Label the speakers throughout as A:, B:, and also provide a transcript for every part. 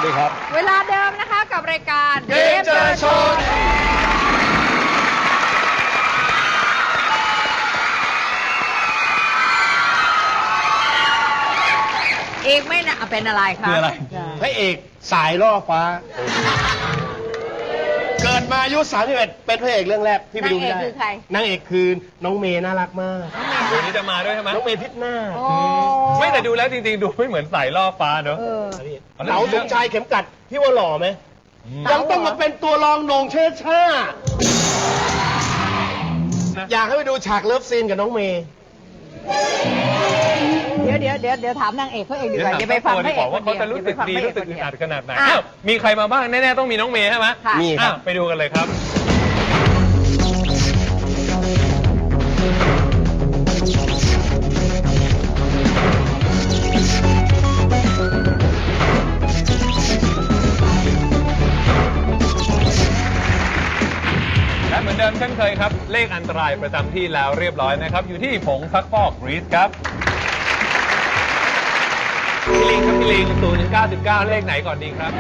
A: ดีครับ
B: เวลาเดิมนะคะกับรายการ
A: เกมเจอโชว์
B: เอกไม่นะเป็นอะไรคะ
A: คืออะไรพระเอกสายล่อฟ้า เกิดมาอายุ31เป็นพระเอกเรื่องแรกที่ไปดูไม่ได้
B: นางเอกคือใคร
A: นางเอกคือน้องเมย์น่ารักมาก
C: วันนี้จะมาด้วยใช่ไหม
A: น้องเมย์พิษหน้า
B: โอ้
C: ไม่แต่ดูแล้วจริงๆ ดูไม่เหมือนสายล่อฟ้าเนอะ
B: เออ
A: เต๋าสมชายเข็มกัดพี่ว่าหล่อไหมยังต้องมาเป็นตัวรองโหน่งเชิดช่าอยากให้ไปดูฉากเลิฟซีนกับน้องเมย์
B: เดี๋ยวถามนางเอกเขาเองดีกว่าอย่าไปฟังพระเอก
C: ว่าเขาจะรู้สึกดี
B: อย่า
C: รู้
B: ไป
C: สึก
B: ฟัง
C: อึด
B: พ
C: อั
B: ระ
C: ด
B: เอก
C: ขนาดไหน
B: อ่ะ
C: อ้าวมีใครมาบ้างแน่ๆต้องมีน้องเมย์ใช่ไหม
B: ค่ะ
A: มีครับ
C: ไปดูกันเลยครับและเหมือนเดิมเช่นเคยครับ เลขอันตรายประจำที่แล้วเรียบร้อยนะครับ อยู่ที่ผงซักฟอกรีสครับพี่ลิงครับพี่ลิง0 ถึง 99 เลขไหนก่อนดีครับ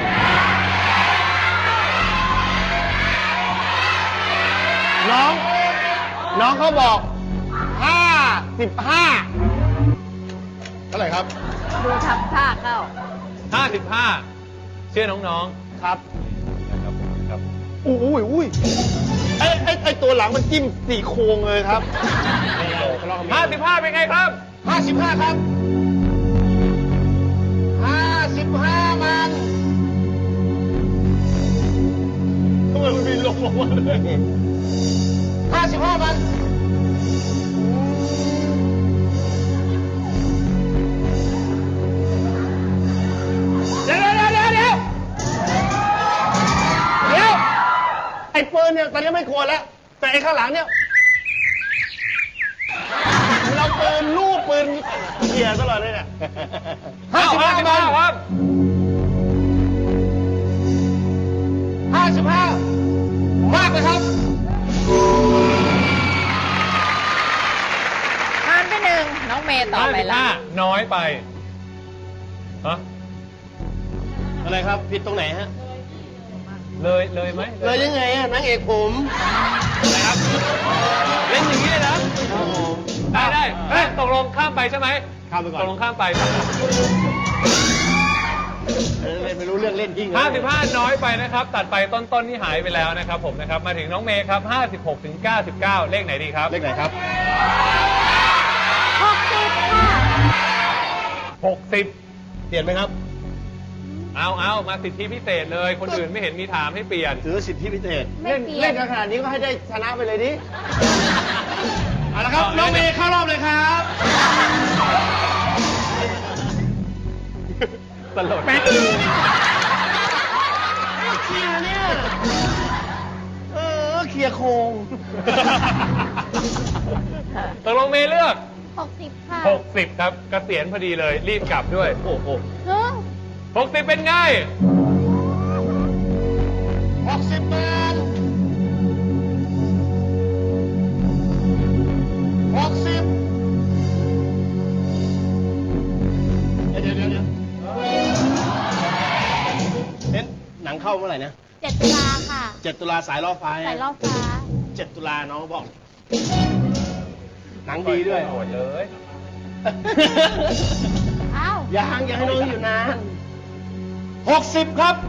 A: น้องเขาบอก55เท่าไหร่ครับ
B: ดูทำท่าเข้า
C: 55 เชื่อน้อง
A: ครับ
C: ๆนะครับครับ
A: อุ้ยไอตัวหลังมันจิ้มสี่โครงเลยครับ
C: 55 เป็นไงครับ
A: 55ครับ55มันทำไมมันมีลงมาเลย55มันเดี๋ยวไอ้ปืนเนี่ยตอนนี้ไม่ควรแล้วแต่ไอ้ข้างหลังเนี่ยเราปืนลูกปืนเขี่ยตลอดเลยเนี่ย55มัน
C: ครับ
A: 55มากเลยครับ
B: ผ่านไปหนึ่งน้องเมย์ต่อไปละ
C: 55 น้อยไปฮะ
A: อะไรครับผิดตรงไหนฮะ
C: เลยไหม
A: เลยยังไงอะนางเอกผม
C: อะไรครับ เล่นอย่างนี้เลยนะ ได้เฮ้ยตกลงข้ามไปใช่ไหม
A: ข้ามไปก่อน
C: ตกลงข้ามไป
A: เล่นไม่รู้เรื่องเล่นยิ่ง
C: 55 น้อยไปนะครับ ตัดไปต้นๆนี่หายไปแล้วนะครับผมนะครับ มาถึงน้องเมย์ครับ 56 ถึง 99 เลขไหนดีครับ
A: เลขไหนครับ
B: 60ค่ะ
C: 60
A: เปลี่ยนไหมครับ
C: เอามาสิทธิพิเศษเลย คนอื่นไม่เห็นมีถามให้เปลี่ยน
A: ถือสิทธิพิเศษ
B: ไม่เปลี่ยน
A: เล่นกันขนาดนี้ก็ให้ได้ชนะไปเลยดิเอาละครับน้องเมย์เข้ารอบเลยครับ
C: ตลก
A: แป๊กเคลียร์เนี่ยเคลียร์โครง
C: ตกลงเมย์เลือก
B: 60 ค่ะ
C: 60 ครับ เกษียณพอดีเลย รีบกลับด้วย
A: โอ้โห
B: เฮ้ย
C: 60 เป็นไง
A: 60 บาท60เดี๋ยวเน้นหนังเข้าเมื่อไหร่นะ
D: 7 ตุลาค่ะ
A: 7 ตุลาสายล่อฟ้า
D: สายล่อฟ้า
A: 7 ตุลาน้องบอก หนังดีด้วย
C: โหดเลย
D: อ้าว
A: ยังให้น้องอยู่นาน60 ครับ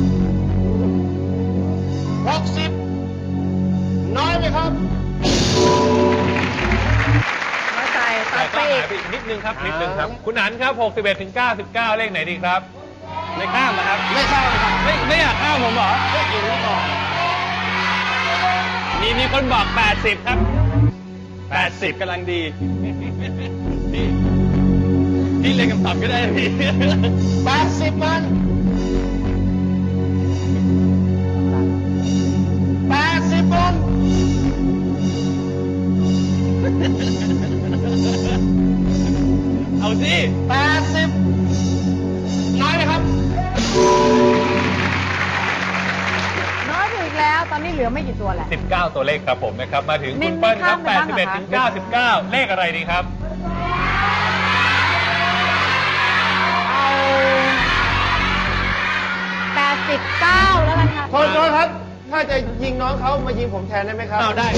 A: 60 น้อยไหมครับ
B: น้อยใจตั
C: แต่
B: ด
C: ก็
B: ไปอี
C: หาก ยไปอีกนิดนึงครับ นิดนึงครับ คุณอันครับ 61 ถึง 99 เลขไหนดีครับ
A: ไม่ข้ามนะครับ ไม่ข้ามครับ
C: ไม่อยากข้ามผมเหรอ
A: ไม่อยู่นี่ก่อน
C: มีคนบอก 80 ครับ 80กำลังดี พี่เล่นกับต่ำก็ได้พี่
A: 80 มัน 80 มัน
C: เอาสิ
A: 80 น้อยไหมครับ
B: น้อยไปอีกแล้ว ตอนนี้เหลือไม่กี่ตัวแหละ
C: 19 ตัวเลขครับผมนะครับ มาถึง
B: มิ
C: คุ
B: น
C: ณเปิ้ลครับ
B: ไม่ข้ามไปบ้างเหรอคะ
C: 81 ถึง 99 เลขอะไรดีครับ
B: เอา
A: ถ้าจะยิงน้องเขามายิงผมแทนได้ไหมครับ
C: อ้าวได้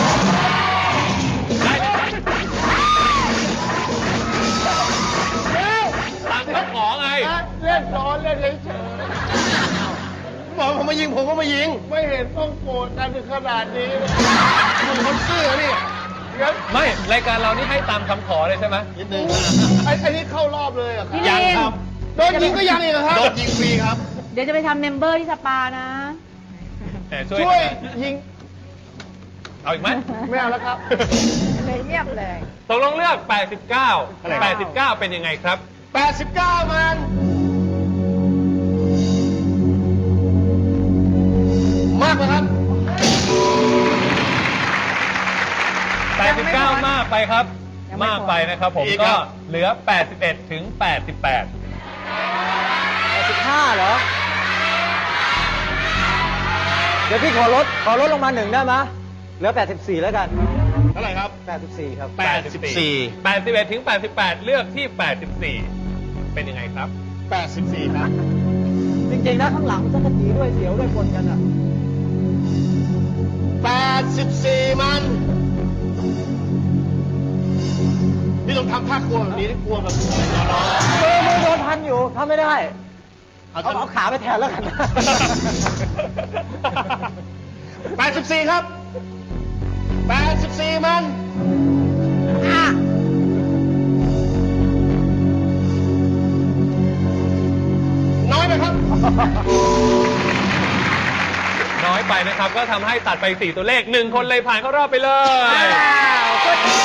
C: ได้ตามคำขอไง
A: เล่นล้อเล่นเฉยๆบอกผมมายิงผมก็มายิง ไม่เห็นต้องโกรธกันถึงขนาดนี้คุณคนซื่อนี่งั้น
C: ไม่รายการเรานี่ให้ตามคำขอเลยใช่ไหม
A: นิดนึงอันนี้เข้ารอบเลยเหรอครับ
B: พี่ลิน
A: โดนยิงก็ยังอีกเหรอครับ
D: โดนยิงฟรีครับ
B: เดี๋ยวจะไปทำเมมเบอร์ที่สปานะ
C: แหม
A: ช่วยยิง
C: เอาอีกไหม
A: ไม่เอาแล้วครับ
B: เลยเงียบเลย
C: ตกลงเลือก 89 89 เป็นยังไงครับ
A: 89 มัน มากไหมครับ
C: 89 มากไปครับ
B: ยังไม่พอ
C: มากไปนะครับผม
D: อีกค
C: ก็
D: รับ
C: เหลือ 81 ถึง 88
E: 85เหรอ เดี๋ยวพี่ขอลดลงมา1ได้ไหมเหลือ 84 แล้วกัน
D: เท่าไหร่ครับ
E: 84 ครับ
D: 84
C: 81 ถึง 88 เลือกที่ 84 เป็นยังไงครับ
D: 84 ครับ
E: จริงๆนะข้างหลังจักรจีด้วยเสียวด้วยปนกันอ่ะ
D: 84 มัน นี่ต้องทำท่ากลัวแบบนี้ที่กลัวแบบร้อน
E: มือโดนพันอยู่ทำไม่ได้
D: ๆ
E: เอาขาไปแทนแล้วกัน
D: 84 ครับ 84 มัน น้อยไหมครับ
C: น้อยไปนะครับ ก็ทำให้ตัดไป 4 ตัวเลข 1 คนเลยผ่านเข้ารอบไปเลย
B: ว้าวคนนี้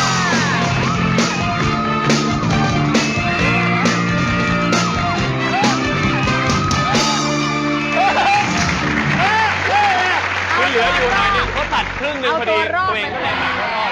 C: คือเหลืออยู่หน่อยนึงเขาตัดครึ่งหนึ่งพอดี
B: เอาตัวรอด
C: ตัวเองก็เลยผ่านเข้ารอบ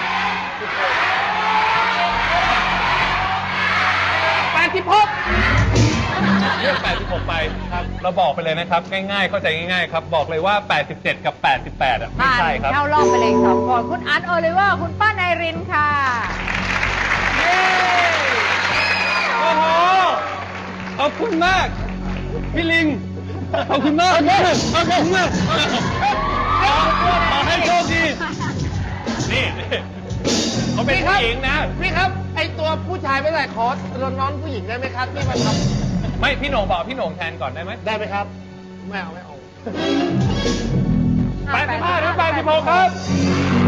C: เลือก 86 ไปครับ เราบอกไปเลยนะครับ ง่ายๆ เข้าใจง่ายๆ ครับ บอกเลยว่า 87 กับ 88 อ่ะ ไม่
B: ผ่าน
C: ใช่ครับ
B: เข้ารอบไปเลยสองคนคุณอันโอลิเวอร์คุณป้านายรินค่ะเย้
C: โอ้โห ขอบคุณมาก พี่ลิง ขอบคุณมากขอบคุณมากขอให้โชคดี นี่เขาเป็นผู้หญิงนะ
A: พี่ครับ ไอตัวผู้ชายไม่ได้ขอน้องผู้หญิงได้ไหมครับที่มาท
C: ไม่ พี่โหน่งบอกพี่โหน่งแทนก่อนได้ไหม
A: ำได้ไหมครับ ไม่เอา
C: 85 ถึง 86 ครับ